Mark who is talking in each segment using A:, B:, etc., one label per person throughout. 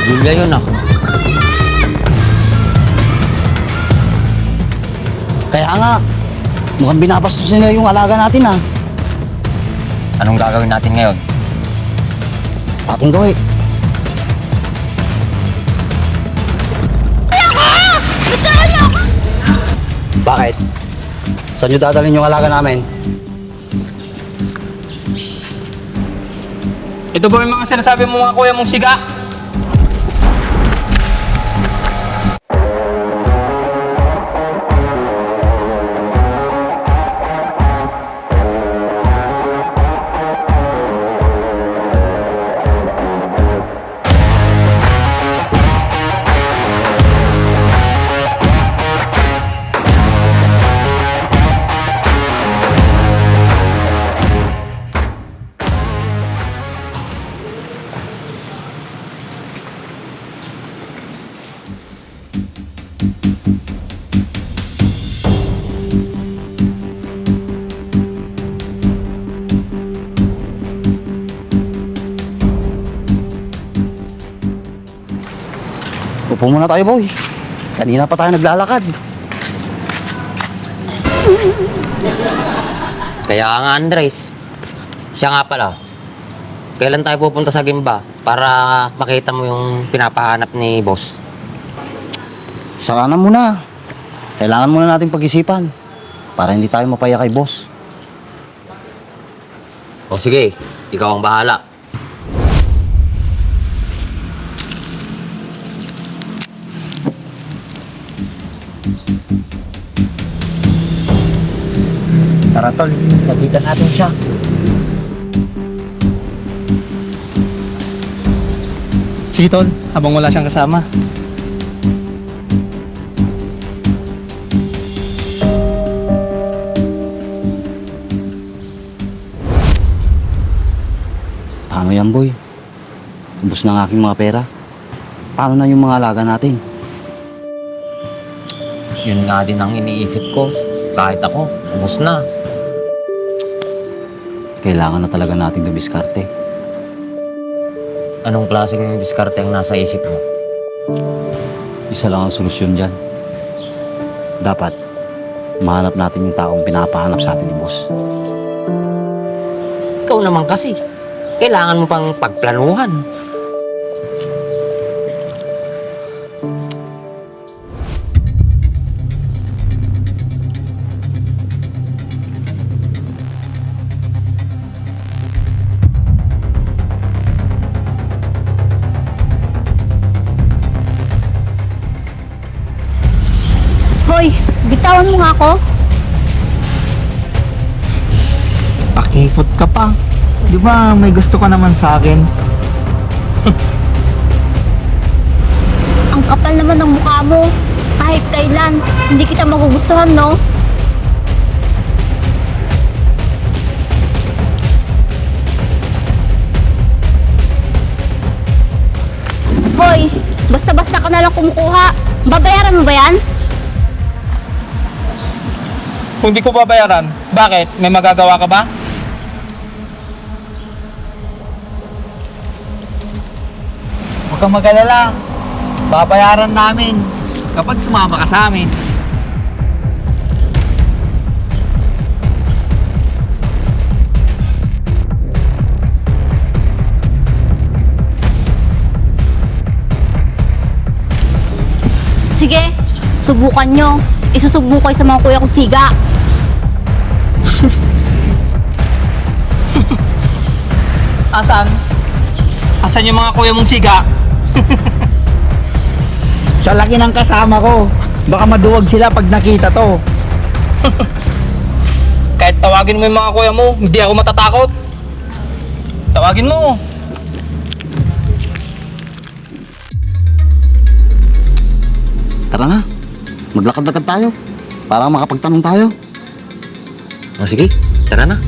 A: Julia yun ah.
B: Kaya nga, mukhang binabastos nila yung alaga natin ah.
A: Anong gagawin natin ngayon?
B: Ating gawin. Bakit? Saan nyo dadalhin yung alaga namin?
C: Ito ba yung mga sinasabi mo mga kuya mong siga?
B: Upo muna tayo, boy. Kanina pa tayo naglalakad.
A: Kaya nga Andres, siya nga pala. Kailan tayo pupunta sa Gimba para makita mo yung pinapahanap ni boss?
B: Saka na muna. Kailangan muna natin pag-isipan para hindi tayo mapaya kay boss.
A: O sige, ikaw ang bahala.
B: Tara, tol. Lapitan natin siya.
C: Sige tol, habang wala siyang kasama.
B: Paano yan, boy? Ubus na ang aking mga pera. Paano na yung mga alaga natin?
A: Yun nga din ang iniisip ko. Kahit ako, ubos na.
B: Kailangan na talaga nating dumiskarte.
A: Anong klaseng diskarte ang nasa isip mo?
B: Isa lang ang solusyon dyan. Dapat, mahanap natin yung taong pinapahanap sa atin ni boss.
A: Ikaw naman kasi. Kailangan mo pang pagplanuhan.
D: Hoy, bitawan mo nga ako.
C: Pakipot ka pa. Di ba may gusto ka naman sa akin?
D: Ang kapal naman ng mukha mo. Kahit kailan, hindi kita magugustuhan, no? Hoy, basta-basta ka na lang kumukuha. Babayaran mo ba yan?
C: Kung di ko babayaran, bakit? May magagawa ka ba? Huwag kang mag-alala. Babayaran namin kapag sumama ka sa amin.
D: Sige, subukan nyo. Isusubo kayo sa mga kuya kong siga.
C: Asan? Asan yung mga kuya mong siga? Sa laki ng kasama ko. Baka maduwag sila pag nakita to. Kahit tawagin mo yung mga kuya mo, hindi ako matatakot. Tawagin mo.
B: Tara na. Maglakad-lakad tayo para makapagtanong tayo.
A: O sige, tara na.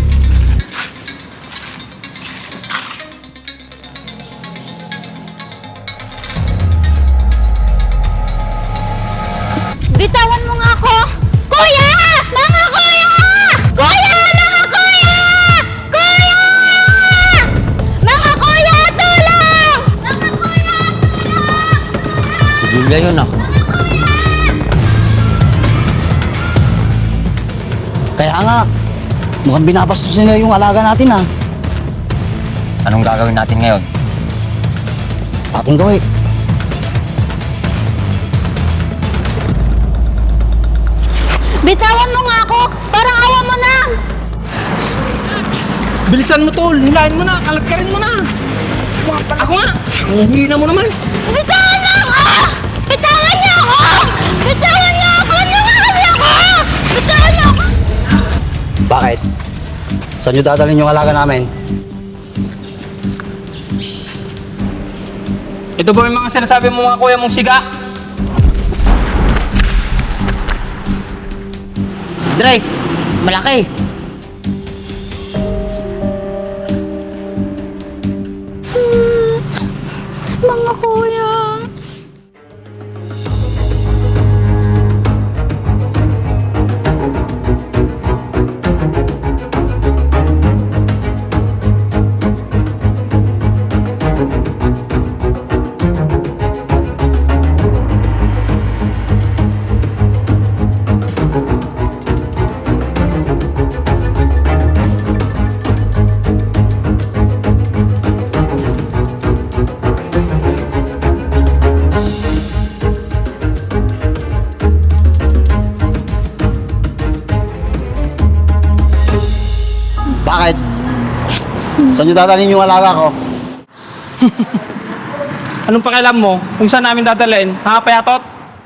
D: Bitawan mo nga ako! Kuya! Mga kuya! Kuya! Mga kuya! Kuya! Mga kuya! Tulong! Mga kuya!
A: Bigla yun ah.
B: Kaya nga, mukhang binabastos nila yung alaga natin ah.
A: Anong gagawin natin ngayon?
B: Ating gawin.
D: Bitawan mo nga ako! Parang awa mo na!
C: Bilisan mo, tol. Hilahin mo na. Kalagkarin mo na. Ako nga. Hihina mo naman.
D: Bitawan mo ako! Bitawan niyo ako! Bitawan niyo ako! Nangakas ako! Bitawan niyo ako!
B: Bakit? Saan nyo dadalhin yung alaga namin?
C: Ito ba yung mga sinasabi mo mga kuya mong siga?
A: Dres! Malaki!
D: Mga kuya!
B: Bakit? Saan nyo dadalhin yung alaga ko?
C: Anong pakialam mo kung saan namin dadalhin? Ha, payatot?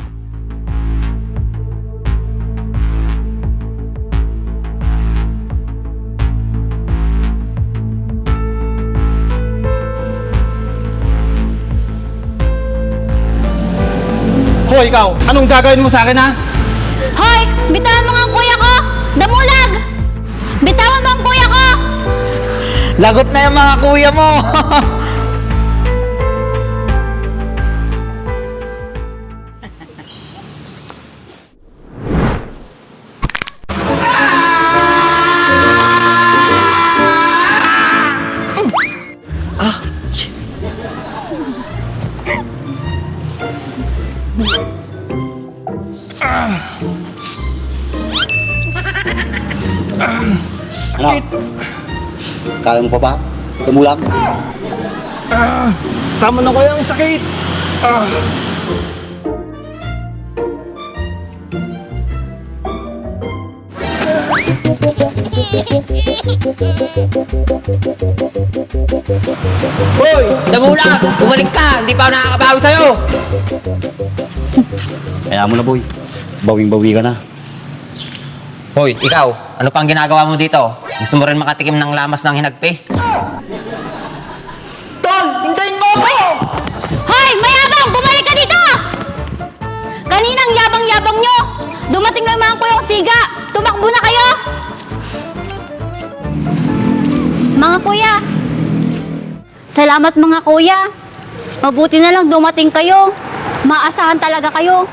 C: Hoy, ikaw! Anong gagawin mo sa akin, ha?
D: Hoy! Bitawan mo nga ang kuya ko! Damulag! Bitawan mo ang kuya ko!
C: Lagot na yung mga kuya mo!
B: Ano? Kaya mo pa ba? Tumulang?
C: Tama na kuya, ang sakit!
A: Hoy! Damulag! Bumalik ka! Hindi pa ako nakakabawi sa'yo!
B: Kaya mo na, boy. Bawing-bawi ka na.
A: Hoy, ikaw! Ano pang ginagawa mo dito? Gusto mo rin makatikim ng lamas ng hinagpis?
C: Tol! Hintayin mo ako!
D: Hoy! Mayabang! Bumalik ka dito! Kaninang yabang-yabang nyo! Dumating lang mga kuyang siga! Tumakbo na kayo! Mga kuya! Salamat mga kuya! Mabuti na lang dumating kayo! Maasahan talaga kayo!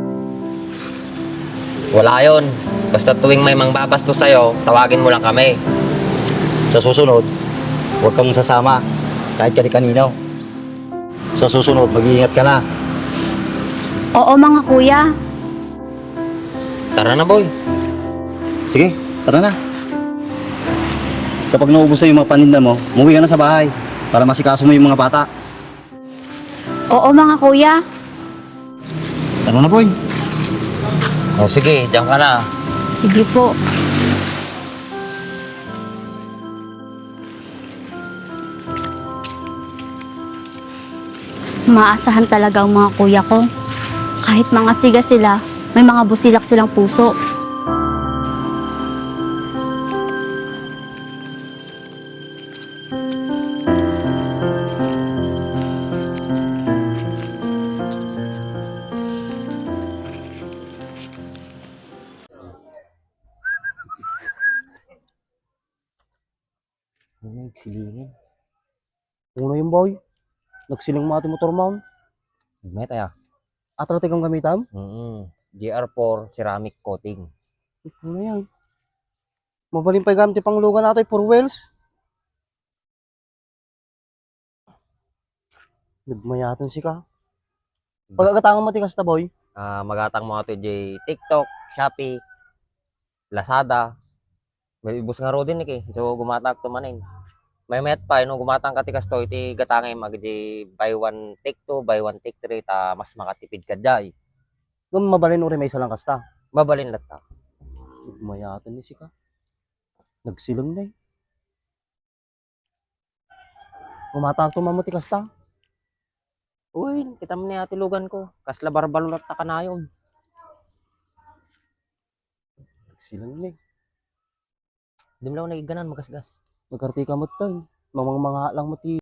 A: Wala yon. Basta tuwing may mangbabastos sa'yo, tawagin mo lang kami.
B: Sa susunod, huwag kang sasama. Kahit kani-kanino. Sa susunod, mag-iingat ka na.
D: Oo mga kuya!
A: Tara na, boy.
B: Sige, tara na. Kapag naubos na yung mga paninda mo, umuwi ka na sa bahay para masikaso mo yung mga bata.
D: Oo mga kuya!
B: Tara na, boy.
A: O sige, diyan ka na.
D: Sige po. Maasahan talaga ang mga kuya ko. Kahit mga siga sila, may mga busilak silang puso.
A: Ano nagsilingin?
B: Uno yung boy. Nagsiling mo ating motor mount.
A: May tayo.
B: Atratik ang gamitam.
A: GR4 ceramic coating.
B: Ano yan? Mabaling pa gamit pang lugan natin for wheels. Nagmayatan si ka. Pagkakatangan mo ti kasta boy.
A: Magatang mo ato di TikTok, Shopee, Lazada. May ibus nga ro din so gumatang to manin. May met pa no gumatang ka ti kasto iti gatangay magdi buy one take two, buy one take three ta mas makatipid ka jay.
B: Kung mabalin uri may isa lang kasta.
A: Babalin lata.
B: Mayatan ni sika. Nagsilang na eh. Gumatang to mamuti kasta.
A: Uy, kita mo ni ati lugan ko. Kasla barbalot ta kanayon.
B: Nagsilang na eh.
A: Di mo lang nagiganan magasgas.
B: Magkarti ka mo tayo. Mamang mga lang mo ti